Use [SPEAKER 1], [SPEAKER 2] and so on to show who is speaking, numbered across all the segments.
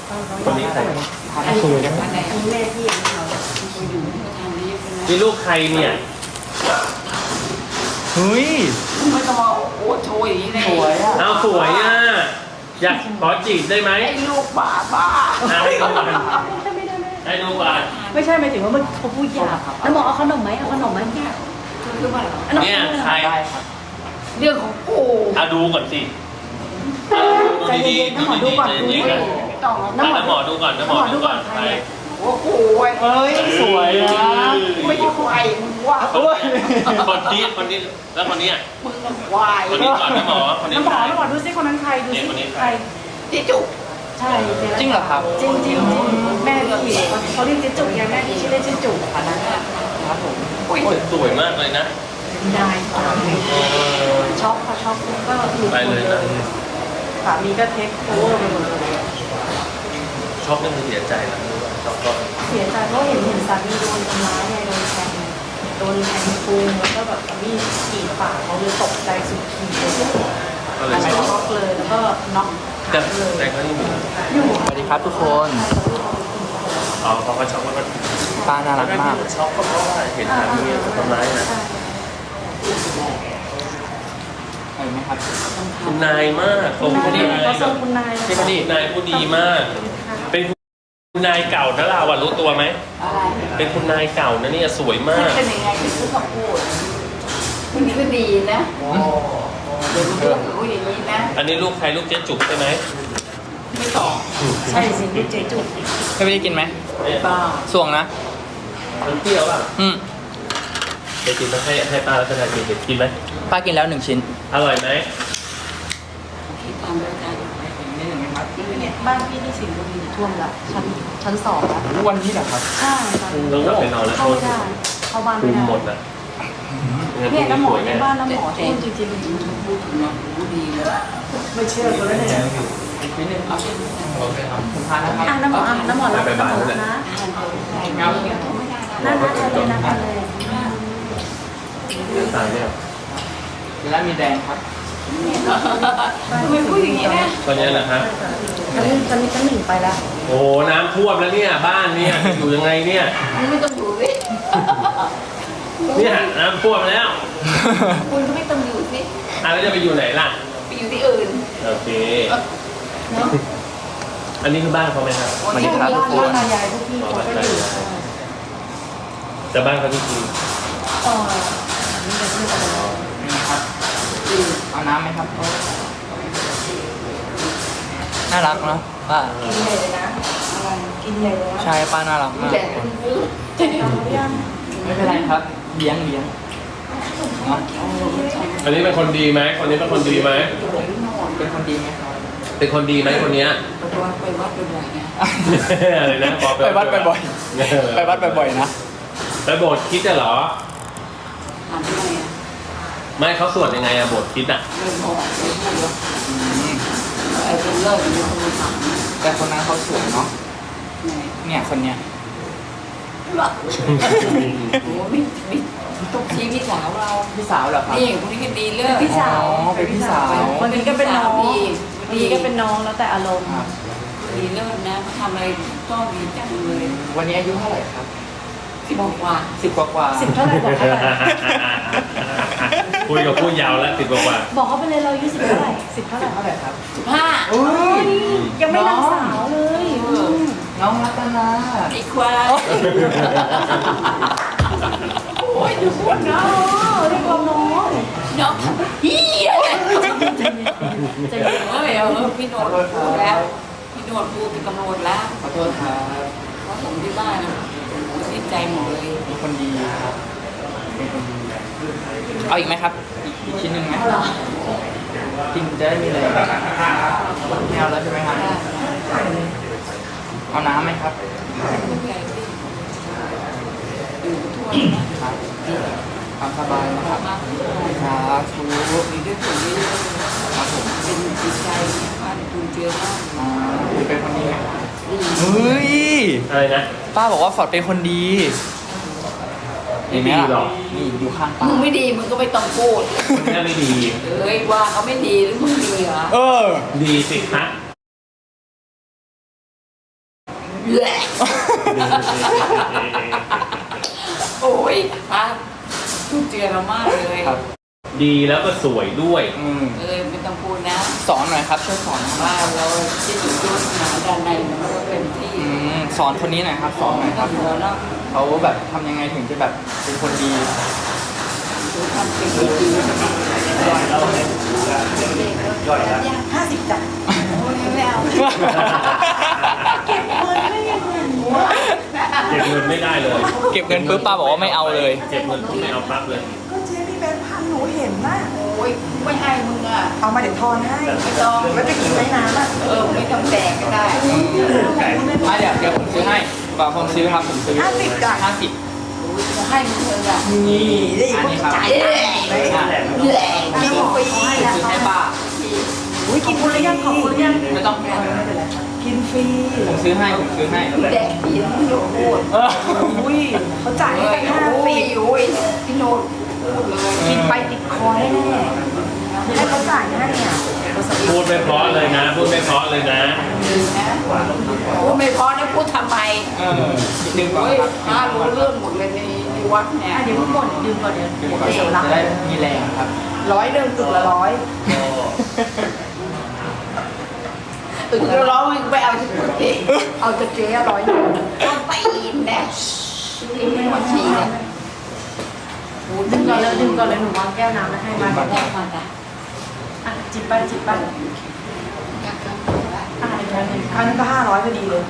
[SPEAKER 1] คนนี้ใคร
[SPEAKER 2] สวยนะ
[SPEAKER 3] อันไหนอันแม่ที่เราอยู่ทางนี้เป็น
[SPEAKER 1] นี่ลูกใครเนี่ย
[SPEAKER 2] เฮ้ย
[SPEAKER 3] ไม่ต้องมาโอ้โชยอย่างนี้เลย
[SPEAKER 2] สวยอ่ะ
[SPEAKER 1] เอาสวยอ่ะอยากขอจีบได้ไหม
[SPEAKER 3] ไอ้ลูกบ้าบ้า
[SPEAKER 1] ให้ดูก่อนให้ดูก่อน
[SPEAKER 4] ไม่ใช่หมายถึงว่ามันเขาพูดหยาบแล้วบอกเอาขนมไหมเอาขนมไหมเนี่ย
[SPEAKER 3] คือว่า
[SPEAKER 4] อันนั้น
[SPEAKER 1] เนี่ยใคร
[SPEAKER 2] ได้ครับ
[SPEAKER 3] เรื่องของกู
[SPEAKER 1] เอาดูก่อนสิ
[SPEAKER 4] ใจเย็นๆน้ำหมอดูก่อนดู
[SPEAKER 1] ดีๆ
[SPEAKER 4] ดิ
[SPEAKER 1] นะ
[SPEAKER 3] ต้อง
[SPEAKER 1] น้ำหมอดูก่อนน้ำหมอดูก่อนใคร
[SPEAKER 3] โอ้โห
[SPEAKER 2] เฮ้ยสวยนะ
[SPEAKER 3] ไม่ใช่ควายมึงว่า
[SPEAKER 2] โอ้ย
[SPEAKER 1] คนนี้แล้วคนนี้อ่ะ
[SPEAKER 3] มึงมันควาย
[SPEAKER 1] คนนี้ก่อนน้ำหมอคนนี้
[SPEAKER 4] น้ำหมอ
[SPEAKER 1] ใคร
[SPEAKER 4] น้ำหมอดูซิคนนั้นใครดู
[SPEAKER 1] เนี่ย
[SPEAKER 4] ซิ
[SPEAKER 1] คนนี้ใค
[SPEAKER 4] ใค
[SPEAKER 1] ร
[SPEAKER 4] ร
[SPEAKER 3] ที่จุก
[SPEAKER 4] ใช่
[SPEAKER 2] จริงเหรอครับ
[SPEAKER 4] จริงจริงแม่ที่เขาเรียกเจ๊จุกไงแม่ที่ชื่อเล่นชื่อจุกค่ะนั้น
[SPEAKER 2] ครับผม
[SPEAKER 1] โอ้ยสวยมากเลยนะ
[SPEAKER 4] ได้ค่ะช็อกค่ะช็อกก็หลุด
[SPEAKER 1] ไปเลยนะ
[SPEAKER 4] สามีก็เทคโอเวอร์ไปหมดเลย
[SPEAKER 1] ช็อกนี่คือเสียใจนะช็อกก็
[SPEAKER 4] เสียใจเพราะเห็นสามีโดนทำร้ายไงโดนแทงปูงแล้วก็แบบมีดกรีดปากเขาเลยตกใจสุดขีดเลย
[SPEAKER 1] ก็เลยช็อก
[SPEAKER 4] ช็อกเลยแล้วก็น็อก
[SPEAKER 1] แต่
[SPEAKER 4] ขาเลย
[SPEAKER 1] แต่เขายังอยู่
[SPEAKER 4] อยู่
[SPEAKER 2] สวัสดีครับทุกคน
[SPEAKER 1] อ๋อเขาก็ช็อกแล้วก็
[SPEAKER 2] ป้าน่ารักมาก
[SPEAKER 1] ช็อกก็เพราะว่าเห็นสามีถูกทำร้ายนะ
[SPEAKER 2] เห็นไหมครับ
[SPEAKER 1] คุณนายมากทรงคุณนาย
[SPEAKER 4] เขา
[SPEAKER 1] แบ
[SPEAKER 4] ส่ง
[SPEAKER 1] บ
[SPEAKER 4] คุณนาย
[SPEAKER 2] พี่พอดี
[SPEAKER 1] คุณนายผู้ดีมาก เป็นคุณนายเก่านะเราอะรู้ตัวไหม
[SPEAKER 3] อะไร
[SPEAKER 1] เป็นคุณนายเก่านะเนี่ยสวยมาก
[SPEAKER 3] เป็นยังไงที่พูดกับพูดคนนี้ก็ดีนะเดี๋ยวพูดอย่างนี้นะ
[SPEAKER 1] อันนี้ลูกใครลูกเจ๊จุกใช่ไหม
[SPEAKER 3] ไม่ตอบ
[SPEAKER 4] ใช่สิลูกเจ๊จุก
[SPEAKER 2] พี่พอดีกินไหม
[SPEAKER 1] เนี่ย
[SPEAKER 3] บ้า
[SPEAKER 2] สวงนะ
[SPEAKER 1] มันเปรี้ยวป่ะ
[SPEAKER 2] อืม
[SPEAKER 1] จะกินต้องให้ป้ารัตนากินเด็กกินไหม
[SPEAKER 2] ป้ากินแล้ว1 ชิ้น
[SPEAKER 1] อร่อยไหม
[SPEAKER 3] คิดตามด้วยกัน
[SPEAKER 2] นี่หนึ่งไหมครับ
[SPEAKER 4] เนี่ยบ้านพี่ที่สิงห์บุรีท่วมละชั้นสองละ
[SPEAKER 2] วันนี้เหรอครับ
[SPEAKER 4] ใช่ค่ะ
[SPEAKER 1] ต้องกลับไปนอนแล้ว
[SPEAKER 4] เข้าไม่ได้เข้าบ้าน
[SPEAKER 1] คุ
[SPEAKER 4] ไม่
[SPEAKER 1] ม
[SPEAKER 4] ได้
[SPEAKER 1] หมดนะ
[SPEAKER 4] เนี่ยน้ำหมอในบ้านน้ำหมอท่วมจริง
[SPEAKER 3] พูดถึงเนาะพูดดีเลย
[SPEAKER 4] ๆไม่เชื่อคนละเนี่ย
[SPEAKER 2] อีกนิดนึง
[SPEAKER 3] เอาเช่นนี้
[SPEAKER 2] โอเคครับผมทานนะครับ
[SPEAKER 4] อ่ะน้ำหมออ่ะน้ำหมอรับน้ำหมอนะ
[SPEAKER 3] ทานเถอะไม่ได้นะ
[SPEAKER 4] น่าทานเลยนะทานเลย
[SPEAKER 1] ตายเนี่ย
[SPEAKER 2] แล้วมีแดงครับ
[SPEAKER 3] ทำไมพูดอย่างนี้นะ
[SPEAKER 1] ตอนนี้นะครับ
[SPEAKER 4] ชั้นหนึ่งไปแล้ว
[SPEAKER 1] โอ้น้ำท่วมแล้วเนี่ยบ้านเนี่ยอยู่ยังไงเนี่ย
[SPEAKER 3] มึงไม่ต้องอยู่สิ
[SPEAKER 1] เนี่ยน้ำท่วมแล้ว
[SPEAKER 3] คุณก็ไม่ต้องอยู่สิ
[SPEAKER 1] แล้วจะไปอยู่ไหนล่ะ
[SPEAKER 3] ไปอยู่ที่อื่น
[SPEAKER 1] โอเค
[SPEAKER 4] เนาะ
[SPEAKER 1] อันนี้คือบ้านเขาไหมครับ
[SPEAKER 2] สวัสดีครับทุกคน
[SPEAKER 4] ตายายพวกพี่เขาก็อยู่
[SPEAKER 1] แต่บ้านเขาที่จริง
[SPEAKER 4] นี่จะพูดอะไร
[SPEAKER 2] นี่ครับเอาน้ำไหมครับ น่ารักเนาะป้า
[SPEAKER 4] กินเลยนะอะไรกินเลยนะ
[SPEAKER 2] ใช่ป้าน่ารักมาก
[SPEAKER 3] แต่
[SPEAKER 2] ทุกคน
[SPEAKER 4] ยัง
[SPEAKER 2] ไม่เป็นไรครับเลี้ยงเนาะ
[SPEAKER 1] อันนี้เป็นคนดีไหมคนนี้เป็นคนดีไหม
[SPEAKER 2] เป็นคนดีไหมครับ
[SPEAKER 1] เป็นคนดีไหมคนเนี้ย
[SPEAKER 3] ไปวัดบ่อยๆไง
[SPEAKER 1] อะไรนะบอก
[SPEAKER 2] ไปวัดบ่อยๆไปวัดบ่อยๆนะ
[SPEAKER 1] ไปโบสถ์คิดจะเหรอ
[SPEAKER 3] ถามทำไมอ่ะ
[SPEAKER 1] ไม่เขาสวดยังไงอะโบสถ์คิดอะ
[SPEAKER 3] ไม่บอกไม่พูดหรอก
[SPEAKER 2] อืม
[SPEAKER 3] ไอ้คนเลิกเป็นคนถาม
[SPEAKER 2] แต่คนนั้นเขาสวยเนาะ
[SPEAKER 3] ไหน
[SPEAKER 2] เนี่ยคนเนี้ย
[SPEAKER 3] หรอโอ้ไม่ต้องชี้พี่สาวเรา
[SPEAKER 2] พี่สาวเหรอครับ
[SPEAKER 3] นี่คนนี้ก็ดีเลิก
[SPEAKER 4] พี่สาว
[SPEAKER 2] อ๋อเป็นพี่สาว
[SPEAKER 4] คนนี้ก็เป็นน้อง
[SPEAKER 3] ดี
[SPEAKER 4] ดีก็เป็นน้องแล้วแต่อารมณ์
[SPEAKER 2] ครับ
[SPEAKER 3] ดีเลิศนะทำอะไรก็ดีจังเลย
[SPEAKER 2] วันนี้อายุเท่าไหร่ครับ
[SPEAKER 3] บอกว่า
[SPEAKER 2] 10 กว่าๆ
[SPEAKER 4] 10เท่าไหร่บอกเท่าไหร่
[SPEAKER 1] คุยกับผู้ยาวแล้วติดบอกว่า
[SPEAKER 4] บอกเขาไปเลยเราอายุ10เท่าไหร่10เท่าไหร่
[SPEAKER 2] เท่าไหร่ครับ
[SPEAKER 3] 15
[SPEAKER 2] อุ้ย
[SPEAKER 4] ยังไม่นางสาวเลย
[SPEAKER 2] น้องรัตนา
[SPEAKER 3] ไอ้ควายโอ้ยดูพูดนะ
[SPEAKER 4] เรียกเราน้อง
[SPEAKER 3] น้องเฮีย
[SPEAKER 4] ใจเย็น
[SPEAKER 3] เฮ้ยพี่โนดพูดแล้วพี่โนดพูดเป็นตำรวจแล้ว
[SPEAKER 2] ขอโทษครับ
[SPEAKER 3] เพราะผมที่บ้านนะผมสิ้นใจหมดเลย
[SPEAKER 2] เป็นคนดีครับเป็นคนดีเอาอีกไหมครับ อีกชิ้นหนึ่งไหมกินจะได้มีแรงไม่เอาแล้วใช่ไหมครับเอาน้ำไหมครับ
[SPEAKER 3] ทุกอย่างที่อยู่ทั่วนะครับ
[SPEAKER 2] ตามสบายนะครับ
[SPEAKER 3] มาก
[SPEAKER 2] ครับชู
[SPEAKER 3] มีด้วยผลด้วย
[SPEAKER 2] ครับผม
[SPEAKER 3] เป็นจิตใจบ้านคุณเจอมาก
[SPEAKER 2] คุณเป็นคนดีไหมเฮ้ย
[SPEAKER 1] อะไรนะ
[SPEAKER 2] ป้าบอกว่าฟอร์ดเป็นคนดี
[SPEAKER 1] ไม่ดีหรอก
[SPEAKER 2] นี่อยู่ข้างป้า
[SPEAKER 3] มึงไม่ดีมึงก็ไม่ต้องพูด
[SPEAKER 1] คนนี้ไม่ดี
[SPEAKER 3] เอ้ยว่าเขาไม่ดีหรือมึงดีเหรอ
[SPEAKER 2] เออ
[SPEAKER 1] ดีสิคะ
[SPEAKER 3] แหละโอ้ยป้าทุกเจือเรามากเลย
[SPEAKER 2] ครับ
[SPEAKER 1] ดีแล้วก็สวยด้วย
[SPEAKER 3] ไม่ต้องพูดนะ
[SPEAKER 2] สอนหน่อยครับช่วยสอนหน่อย
[SPEAKER 3] ว่าเราที่อยู่ด้วยหาด้านในมันก็เป็นที่
[SPEAKER 2] สอนคนนี้หน่อยครับสอนหน่อยครับ
[SPEAKER 3] เราเนาะ
[SPEAKER 2] เขาแบบทำยังไงถึงจะแบบเป็นคนดี
[SPEAKER 3] คือทำสิ่งดีๆ50 จ้ะโอ้ยไม่เอา
[SPEAKER 4] เก็บเงินไม่ยังไงวะ
[SPEAKER 1] เก็บเงินไม่ได้เลย
[SPEAKER 2] เก็บเงินปุ๊บป้าบอกว่าไม่เอาเลย
[SPEAKER 1] เก็บเงินปุ๊บไม่เอาปั๊บเลย
[SPEAKER 5] ก็เจ๊มีแบงค์พันหนูเห็นนะ
[SPEAKER 3] โอ้ยไม่ให้มึงอ่ะ
[SPEAKER 5] เอามาเดี๋ยวทอนให้
[SPEAKER 3] ไม่ต้อง
[SPEAKER 5] แล้วจะกินไว้น้ำอ่ะ
[SPEAKER 3] ไม่ต้องแดกก็ได้
[SPEAKER 2] เดี๋ยวผมซื้อให้ป่าผมซื้อครับผมซื้อ
[SPEAKER 5] 50จ้ะ
[SPEAKER 2] 50
[SPEAKER 3] จะให้มึงเลยอ่ะ
[SPEAKER 5] นี่ได้อีก
[SPEAKER 2] อันนี้ครับ
[SPEAKER 5] จ่าย
[SPEAKER 3] แหละแหละ
[SPEAKER 5] กินฟรี
[SPEAKER 2] ซื้อให้ป้า
[SPEAKER 5] อุ้ยกินฟรียังขอบคุณยัง
[SPEAKER 2] ไม่ต้อง
[SPEAKER 5] กินฟรี
[SPEAKER 2] ผมซื้อให้ผมซื้อให้
[SPEAKER 3] แดกดีนะพี่โนดพูด
[SPEAKER 5] อุ้ยเขาจ่ายให้ตั้ง
[SPEAKER 3] โอ้ย
[SPEAKER 5] 50
[SPEAKER 3] โอ้ยพี่โนดพูดเลย
[SPEAKER 5] กินไปติดคอแน่ๆให้เขาจ่ายให้เนี่ย
[SPEAKER 1] พูดไม่เพราะเลยนะ พูดไม่เพราะเลยนะ
[SPEAKER 3] นะพูดไม่พอนะพูดทำไม
[SPEAKER 2] ดึงก่อน
[SPEAKER 3] โอ้ย
[SPEAKER 2] ครับ
[SPEAKER 3] ป้ารู้เรื่องหมดเลยในวัดเนี่ย
[SPEAKER 4] เดี๋ยวเพิ่งหมดดื่มก่อนเดี๋ยว
[SPEAKER 2] ดึงก่อนจะได้มีแรงครับ
[SPEAKER 5] 100 ตึกละ
[SPEAKER 3] ตึกร้องไปเอาจากตัวเองเอาจากเจ๊100ต้นไปอินแน่ที่ไม่หมดทีเนี่ย
[SPEAKER 4] ดื่มก่อนเลยดื่มก่อนเลยหนูวางแก้วน้ำแล้วให้มา
[SPEAKER 3] แรกมาจ้ะ
[SPEAKER 4] อ่ะจิบไปจิบไปอ่ะอีกแล้วหนึ่ง
[SPEAKER 5] ครั้งนึงก็500พอดีเลย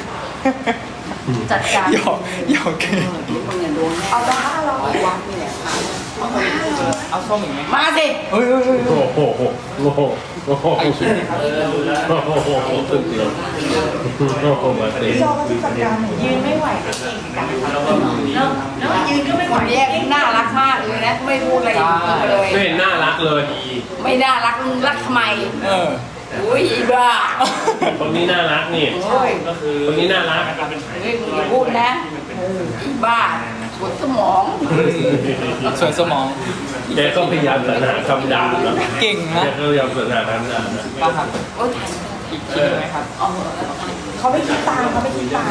[SPEAKER 4] จัดการ
[SPEAKER 2] หยอกเก
[SPEAKER 3] ที่มึงเนี่ยโดนแน่
[SPEAKER 5] เอาละ
[SPEAKER 3] วัดนี่แหละ
[SPEAKER 2] เอาส้มอีกไหม
[SPEAKER 3] มาสิ
[SPEAKER 2] เฮ้ย
[SPEAKER 1] โอ้โหโอ้โหโอ้โห
[SPEAKER 2] ไอ้ชิ้นนี้ครับ
[SPEAKER 1] โอ้โหตึกเลยโอ้โหมาสิ
[SPEAKER 5] พี่จอก็จัดการหน่อย
[SPEAKER 4] ยืนไม่ไหวก็เก่งกันแล้วยืนก็ไม่
[SPEAKER 3] ค
[SPEAKER 4] ไหวน
[SPEAKER 3] นี้น่ารักมากเลยนะไม่พูดอะไรเลย
[SPEAKER 1] ไม่เห็นน่ารักเลย
[SPEAKER 3] ไม่น่ารักมึงรักทำไม อุ้ยอีบ้า
[SPEAKER 1] คนนี้น่ารักนี่
[SPEAKER 3] โอ้ย
[SPEAKER 1] คนนี้น่ารัก
[SPEAKER 3] เฮ้ยมึงอย่าพูดนะอีบ้าปวดสมอง
[SPEAKER 2] ส่วนสมอง
[SPEAKER 1] แกก็พยายามสรรหาคำด่านะ
[SPEAKER 2] เก่งนะ
[SPEAKER 1] แกก็พยายามสรรหาคำด่านะ
[SPEAKER 2] ป้าครับ
[SPEAKER 3] โอ้ย
[SPEAKER 2] อีกชิ้นหนึ่งไหมครับ
[SPEAKER 3] เอาเหอะ
[SPEAKER 5] เขาไม่คิดตังค์เขาไม่คิดตังค์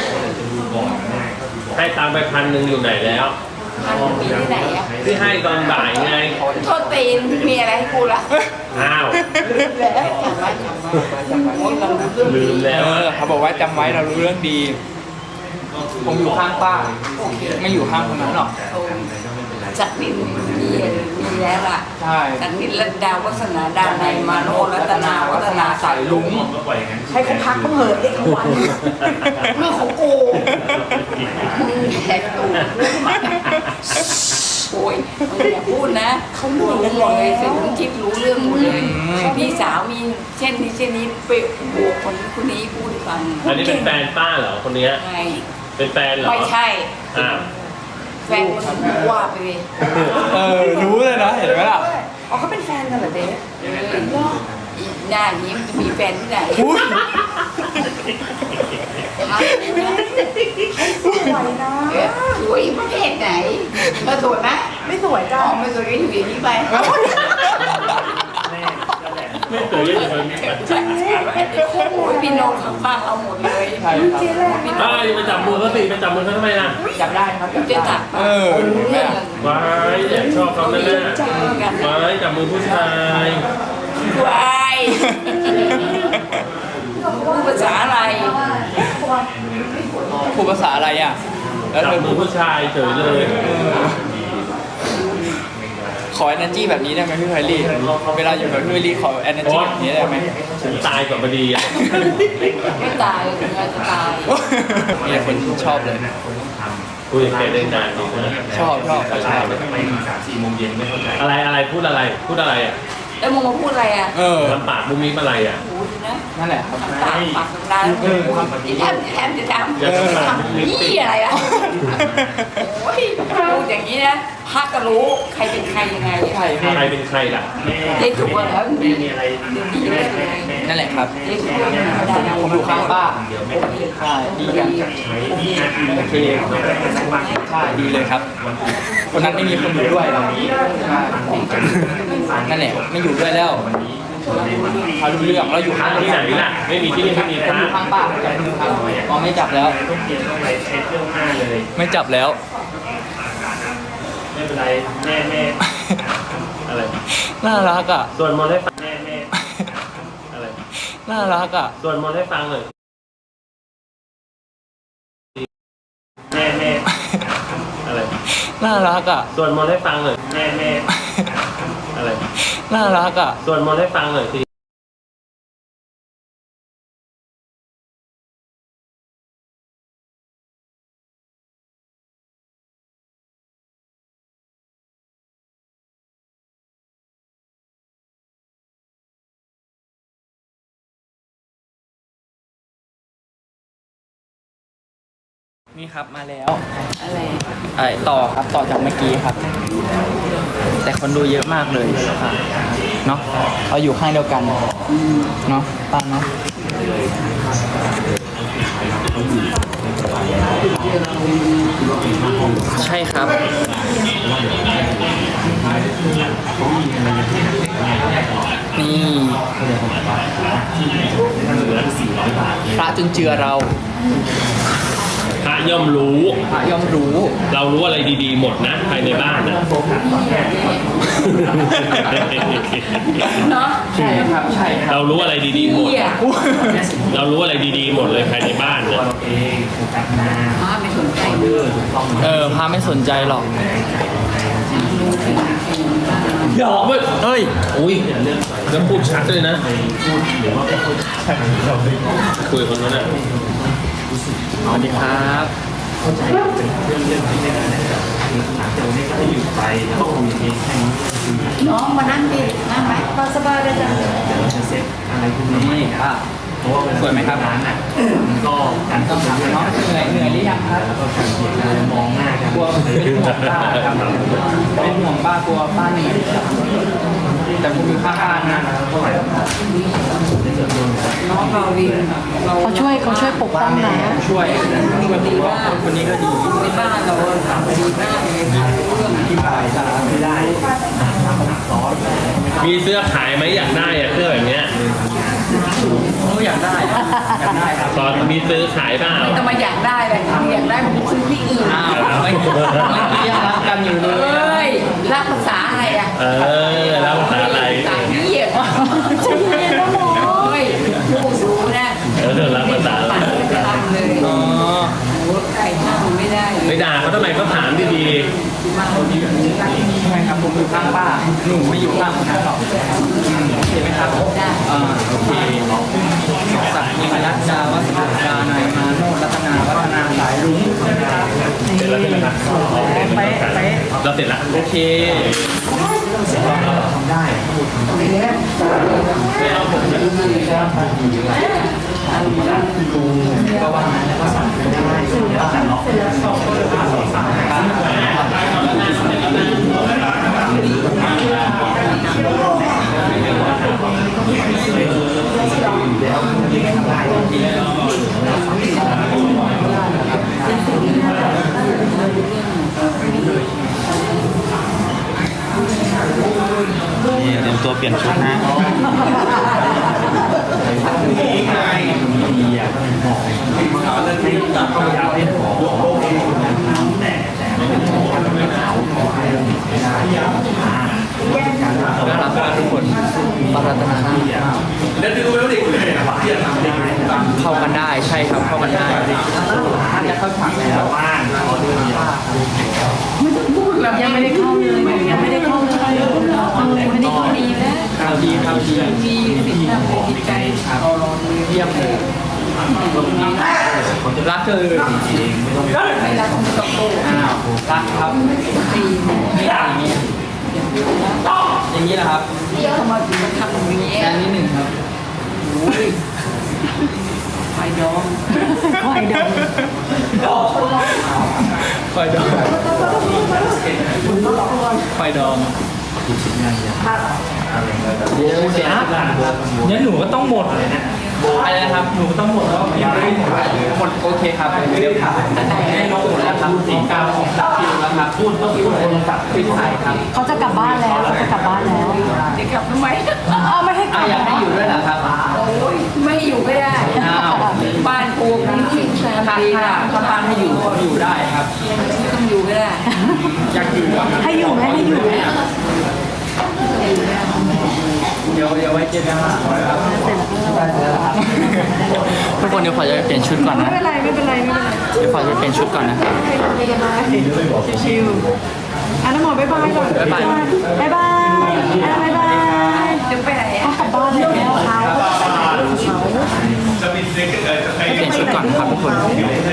[SPEAKER 1] ให้ตังค์ไป1,000อยู่ไหนแล้ว
[SPEAKER 3] มันมีที่ไหนอะ
[SPEAKER 1] ที่ให้ตอนบ่ายไง
[SPEAKER 3] โทษตีนมีอะไรให้กูละ
[SPEAKER 1] อ้าว
[SPEAKER 3] แล้วจำไว้โอ้ยเรารู้เรื่อง
[SPEAKER 1] ลื
[SPEAKER 3] ดี
[SPEAKER 1] มแล้ว
[SPEAKER 2] เขาบอกว่าจำไว้เรารู้เรื่องดี ผมอยู่ข้างป้า ไม่อยู่ข้างคนนั้นหรอก
[SPEAKER 3] จักรินมีแล้วล่ะ
[SPEAKER 2] ใช่
[SPEAKER 3] จักรินรัตดาวัฒนาดาในยมาโนรัตนาวัฒนา
[SPEAKER 2] สายลุง
[SPEAKER 5] ให้เขาพักบ้างเหอะเด็กเขาวัน
[SPEAKER 3] เรื่องของกูมึงแหกตูดโอ้ยมึงอย่าพูดนะเขารู้หมดเลยเสร็จมึงคิดรู้เรื่องหมดเลยพี่สาวมีเช่นนี้ไปบวกคนนี้พูดให้ฟัง
[SPEAKER 1] อันนี้เป็นแฟนป้าเหรอคนเนี้ย
[SPEAKER 3] ไง
[SPEAKER 1] เป็นแฟนเหรอ
[SPEAKER 3] ไม่ใช่
[SPEAKER 1] อ้าว
[SPEAKER 3] แฟนคนว่าไปเลย
[SPEAKER 2] รู้เลยนะ เห็นไหมล่ะ
[SPEAKER 5] อ๋อเขาเป็นแฟนกันเหรอเจ๊
[SPEAKER 3] อีหน้านี้มันจะมีแฟนที่ไหน
[SPEAKER 2] อุ้ย
[SPEAKER 5] สวยนะ
[SPEAKER 3] สวยประเภทไหนเธอสวยไหม
[SPEAKER 5] ไม่สวย
[SPEAKER 3] อ๋
[SPEAKER 5] จ้ะ
[SPEAKER 3] อไม่สวยก็อยู่อย่างนี้ไป
[SPEAKER 1] ไม่เคยเล่นเคยมีแฟน
[SPEAKER 3] โอ้ยพี่โนนข้างๆเราหมดเลย
[SPEAKER 2] ใช่ครับ
[SPEAKER 5] เจ๊แหละ
[SPEAKER 1] อ้าวอย่าไปจับมือเขาสิไปจับมือเขาทำไมล่ะ
[SPEAKER 2] จับได้ครับ
[SPEAKER 3] จะตัด
[SPEAKER 2] รู้ไหม
[SPEAKER 3] เรื่อง
[SPEAKER 2] ล่ะ
[SPEAKER 1] ว้ายแอบชอบเขาแน่
[SPEAKER 3] กัน
[SPEAKER 1] ๆว้ายจับมือผู้ชาย
[SPEAKER 3] วายพูดภาษาอะไร
[SPEAKER 2] พูดภาษาอะไรอ่ะ แล้ว
[SPEAKER 1] จั
[SPEAKER 2] เธ
[SPEAKER 1] บ
[SPEAKER 2] อ
[SPEAKER 1] มือผู้ชายเฉยเลย
[SPEAKER 2] ขอ energy แบบนี้ได้ไหมพี่ไพลี่เวลาอยู่กับพี่ไพลี่ขอ energy แบบนี้ได้ไหม
[SPEAKER 1] ฉันตายก่อนพอดีอ่ะ
[SPEAKER 3] ไม่ตายถึงจะตาย
[SPEAKER 2] มีแต่คนชอบเลย
[SPEAKER 1] คุยกับแกได้นานดีนะ
[SPEAKER 2] ชอบเขาชอบ
[SPEAKER 1] อะไรพูดอะไรอ่ะ
[SPEAKER 3] แล้วมึงมาพูดอะไรอ่ะ
[SPEAKER 1] ทำปากมุ้งมิ้มอะไรอ่ะ
[SPEAKER 3] พูดนะ
[SPEAKER 2] นั่นแหละครับ
[SPEAKER 3] ทำตาปากทำตาที่แทมจะทำ
[SPEAKER 1] อย่าทำปากมุ้งมิ้ม
[SPEAKER 3] นี่
[SPEAKER 1] สิ
[SPEAKER 3] อะไรล่ะโอ้ยพูดอย่างนี้นะพักก็รู้ใครเป็นใครยังไง
[SPEAKER 2] ใช่ครับ
[SPEAKER 1] ใครเป็นใครล่ะ
[SPEAKER 3] ได้ถูกแล้วดีเลย
[SPEAKER 2] นั่นแหละครับ
[SPEAKER 3] ได้ถูกแล้ว
[SPEAKER 2] ผมอยู่ข้างป้าใช่ดีกันโอเคใช่ดีเลยครับ คนนั้นไม่มีคนอยู่ด้วยเราใช่นั่นแหละไม่อยู่ด้วยแล้วเขารู้เรื่องเราอยู่ข้าง
[SPEAKER 1] ที่ไหนล่ะไม่มีที่นี่ไม่มีพ
[SPEAKER 2] เรา
[SPEAKER 1] ระ
[SPEAKER 2] อยู่ข้างป้าจับมือครับอ๋อไม่จับแล้ว
[SPEAKER 1] ต้องเปลี่ยนต้องไปเช็ดเรื่องหน้าเลย
[SPEAKER 2] ไม่จับแล้ว
[SPEAKER 1] ไม่เป็นไรแม่อะไร
[SPEAKER 2] น่ารักอ่ะ
[SPEAKER 1] ส่วนมนต์ให้ฟังแม่อะไร
[SPEAKER 2] น่ารักอ่ะ
[SPEAKER 1] ส่วนมนต์ให้ฟังหน่อยแม่อะไร
[SPEAKER 2] น่ารักอ่ะ
[SPEAKER 1] ส่วนมนต์ให้ฟังหน่อยแม่อะไร
[SPEAKER 2] น่ารักอ่ะ
[SPEAKER 1] ส่วนมนต์ให้ฟังหน่อยที
[SPEAKER 2] นี่ครับมาแล้ว
[SPEAKER 3] อะไร
[SPEAKER 2] ต่อครับต่อจากเมื่อกี้ครับ แต่คนดูเยอะมากเลยเนาะเราอยู่ข้างเดียวกันเนาะป้าเนาะใช่ครับนี่พระจุนเจือเรา
[SPEAKER 1] พระย่อมรู้
[SPEAKER 2] พระย่อมรู้
[SPEAKER 1] เรารู้อะไรดีๆหมดนะภายในบ้านนะ
[SPEAKER 3] เนาะ
[SPEAKER 2] ใช่ครับใช่ครับ
[SPEAKER 1] เรารู้อะไรดีๆหมด
[SPEAKER 3] เหี้ย
[SPEAKER 1] เรารู้อะไรดีๆหมดเลยภายในบ้านนะ
[SPEAKER 3] มาไม่สนใจ
[SPEAKER 2] พระไม่สนใจหรอก
[SPEAKER 1] หยอกเว้ย
[SPEAKER 2] เฮ้ย
[SPEAKER 1] อุ้ยแล้วพูดชัดเลยนะคุยกับคนนั้นนะ
[SPEAKER 2] สวัสดีครับ
[SPEAKER 3] น้องมานั่งดินั่งไหม
[SPEAKER 4] สบายเลยจ้ะ
[SPEAKER 2] นี่ค่ะสวยไหมครับก็ต้องถามน้องเหนื่อยหรือยังครับมองหน้ากันกลัวเป็นห่วงป้าครับเป็นห่วงป้ากลัวป้าเหนื่อยแต่ผมอยู่ข้างๆนะ
[SPEAKER 3] น้องเราดีเรา
[SPEAKER 4] เขาช่วยปกป้องนะ
[SPEAKER 2] ช่วยดีว่าคนนี้ก็ดี
[SPEAKER 3] ในบ้านเราดีมากเลยเรื่อง
[SPEAKER 2] ที่บ่ายไม่ได้
[SPEAKER 1] มีเสื้อขายไหมอยากได้อะเสื้อแบบเนี้ย
[SPEAKER 2] อยากได้ครับ
[SPEAKER 1] ตอนมีซื้อขายเปล่า
[SPEAKER 3] ไม่ต้องมาอยากได้เลยอยากได้มันซื้อที่อื่น
[SPEAKER 2] อ้าวไม่ยังรักกันอยู่เล
[SPEAKER 3] เอ้
[SPEAKER 2] ย
[SPEAKER 3] ยรักภาษาอะไรอ่ะ
[SPEAKER 1] แล้วภาษาอะไร
[SPEAKER 3] ภาษาเหี้ยโอ้ยผู้สูงนะ
[SPEAKER 1] แล้วภาษาอะไร
[SPEAKER 3] ปั่นไปทำเลย
[SPEAKER 2] อ๋อ
[SPEAKER 3] โอ้ไก่ห้างไม่ได้
[SPEAKER 1] ไม่ด่าเขาทำไมเขาถามดี
[SPEAKER 2] ใช่ครับผมอยู่ข้างป้าหนูไม่อยู่ข้างคนนั้นหรอกโอเคไหมครับ
[SPEAKER 3] ได้
[SPEAKER 2] โอเคสักนิรัตดาวัฒนาดานายมาโนรัตนาวัฒนาสายรุ้ง
[SPEAKER 1] ๆเสร็จแล้วใช่ไหมครับเราเสร็จแล้ว
[SPEAKER 2] โอเคก็ว่างั้นแล้วก็สั่งไปได้นี่เตรียมตัวเปลี่ยนชุดนะน่ารักมากทุกคนปารัตนาหน้ามากเข้ากันได้ใช่ครับเข้ากันได้จะเข้าฉากแล้ว
[SPEAKER 4] ยังไม่ได้เข้าเลยยังไม่ได้เข้าเลยไม่ได้เข้าดีนะ
[SPEAKER 2] ข่าวดีข่าวดี
[SPEAKER 3] มีสิทธิ์ทำเป็นจิตใจเราลองเลย
[SPEAKER 2] เยี่ยมเลยรักเธอ
[SPEAKER 3] ไม่รักของตะโก
[SPEAKER 2] อ้าวรักครับ
[SPEAKER 3] ตี
[SPEAKER 2] นี่อย่างนี้อย่างนี้แหละครับ
[SPEAKER 3] ทำไมถึงมาทำอย่างนี้
[SPEAKER 2] อันนี้หนึ่งครับ
[SPEAKER 3] ไฟดอง
[SPEAKER 4] คอยดม
[SPEAKER 2] ไฟดองไฟดองเดี๋ยวเสียงั้นหนูก็ต้องหมดอะไรนะครับหนูก็ต้องหมดแล้วยังไม่หมดหมดโอเคครับเดี๋ยวถามให้น้องหมดแล้วครับสีกาวของสักคิวแล้วครับพูดต้องพูดคนสักคิวใส่ครับ
[SPEAKER 4] เขาจะกลับบ้านแล้วเขาจะกลับบ้านแล้ว
[SPEAKER 3] จะกลับทำไม
[SPEAKER 4] เอาไม่ให้
[SPEAKER 2] อยากให้อยู่ด้วยเหรอครับ
[SPEAKER 3] โอ้ยไม่อยู่ก็ได้
[SPEAKER 2] อ้าว
[SPEAKER 3] บ้านปูมันที่แซม
[SPEAKER 2] ถ้า
[SPEAKER 3] ดี
[SPEAKER 2] ถ้า
[SPEAKER 3] ค่ะ
[SPEAKER 2] ถ้าบ้านให้อยู่ก็อยู่ได้ครับ
[SPEAKER 3] ไม่ต้องอยู่ก็ได้
[SPEAKER 2] อยากอยู่ครับ
[SPEAKER 5] ให้อยู่ไหมให้อยู่ไหม
[SPEAKER 2] เดี๋ยวไว้เจอกันครับทุกคนเดี๋ยวขอจะไปเปลี่ยนชุดก่อนนะ
[SPEAKER 5] ไม่เป็นไรไม่เป็นไรไม่เป็นไร
[SPEAKER 2] เดี๋ยวขอจะไปเปลี่ยนชุดก่อนนะ
[SPEAKER 5] ไม่เป็นไรชิวๆน้ำหมอบ๊ายบายก่อน
[SPEAKER 2] บ๊ายบาย
[SPEAKER 5] บ๊ายบายบ๊ายบาย
[SPEAKER 3] จะไปไหน
[SPEAKER 5] ต้องกลับบ้านแล้วเขา
[SPEAKER 2] ไปเปลี่ยนชุดก่อนนะครับทุกคน